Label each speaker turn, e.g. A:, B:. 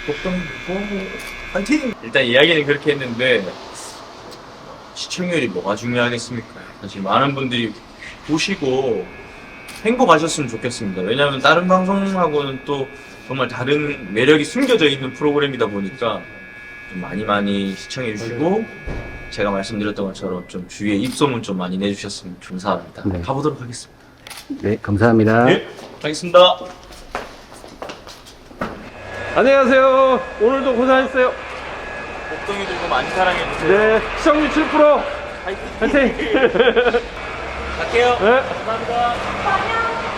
A: 복동 파이팅! 일단 이야기는 그렇게 했는데 시청률이 뭐가 중요하겠습니까? 사실 많은 분들이 보시고 행복하셨으면 좋겠습니다. 왜냐하면 다른 방송하고는 또 정말 다른 매력이 숨겨져 있는 프로그램이다 보니까 좀 많이 시청해 주시고 제가 말씀드렸던 것처럼 좀 주위에 입소문 좀 많이 내주셨으면 감사합니다.
B: 네.
A: 가보도록 하겠습니다.
B: 네, 감사합니다.
A: 예, 가겠습니다.
C: 안녕하세요. 오늘도 고생하셨어요.
A: 복동이들도 많이 사랑해주세요.
C: 네, 시청률 7%. 파이팅!
A: 갈게요.
C: 네.
A: 감사합니다.